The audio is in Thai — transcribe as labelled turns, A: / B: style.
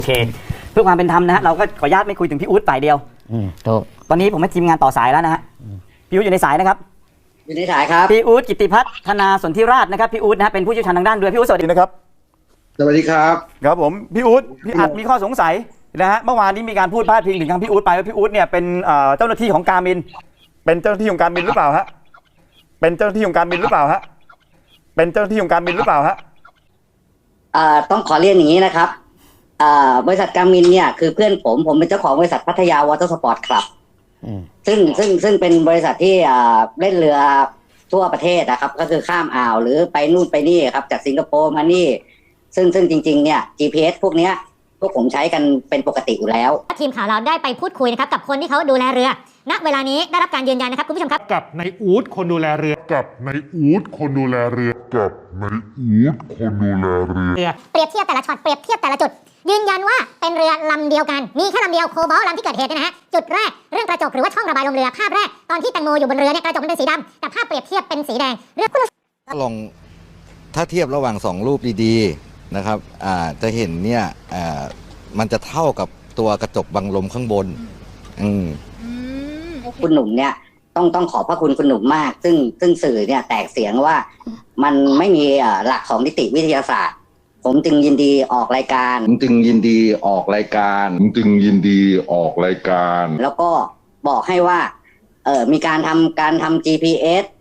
A: โอเคเพื่อความเป็นธรรมนะฮะเราก็ขออนุญาตไม่คุยถึงพี่อู๊ดฝ่ายเดียว
B: ถูก
A: ตอนนี้ผมให้ทีมงานต่อสายแล้วนะฮะพี่อู๊ดอยู่ในสายนะครับ
C: อยู่ในสายครับ
A: พี่อู๊ดกิตติพัฒนาสนธิราชนะครับพี่อู๊ดนะฮะเป็นผู้เชี่ยวชาญทางด้านเรือพี่อู๊ดสวัสดีนะครับ
D: สวัสดีครับ
A: ครับผมพี่อู๊ดพี่อัดมีข้อสงสัยนะฮะเมื่อวานนี้มีการพูดพาดพิงถึงทางพี่อู๊ดไปว่าพี่อู๊ดเนี่ยเป็นเจ้าหน้าที่ของการบินเป็นเจ้าหน้าที่ของการบินหรือเปล่าฮะเป็นเจ้าหน้าที่ของการบินหรือเปล่าฮะเป็นเจ้าหน้าที่ของการบินหรือเปล่าฮะ
C: ต้องขอเรียนอย่างนี้นะครับบริษัทการมินเนี่ยคือเพื่อนผมเป็นเจ้าของบริษัทพัทยาวอเตอร์สปอร์ตคลับซึ่งเป็นบริษัทที่เล่นเรือทั่วประเทศนะครับก็คือข้ามอ่าวหรือไปนู่นไปนี่ครับจากสิงคโปร์มานี่ซึ่งจริงๆเนี่ย GPS พวกเนี้ยพวกผมใช้กันเป็นปกติอยู่แล้ว
E: ทีมข่าวเราได้ไปพูดคุยนะครับกับคนที่เขาดูแลเรือณเวลานี้ได้รับการยืนยันนะครับคุณผู้ชมครับ
F: กับนายอู๊ดคนดูแลเรือกับนายอู๊ดคนดูแลเรือกับนายอู๊ดคนดูแลเรือ
E: เปรียบเทียบแต่ละช็อตเปรียบเทียบแต่ละจุดยืนยันว่าเป็นเรือลำเดียวกันมีแค่ลำเดียวโคบอลลำที่เกิดเหตุเนี่ยนะฮะจุดแรกเรื่องกระจกหรือว่าช่องระบายลมเรือภาพแรกตอนที่แตงโมอยู่บนเรือเนี่ยกระจกมันเป็นสีดำแต่ภาพเปรียบเทียบเป็นสีแดงเรื่อง
G: ถ้าลองถ้าเทียบระหว่าง2รูปดีๆนะครับจะเห็นเนี่ยมันจะเท่ากับตัวกระจกบังลมข้างบน
C: คุณหนุ่มเนี่ยต้องขอบพระคุณหนุ่มมากซึ่งสื่อเนี่ยแตกเสียงว่ามันไม่มีหลักของนิติวิทยาศาสตร์ผมจึงยินดีออกรายการแล้วก็บอกให้ว่ามีการทำ GPS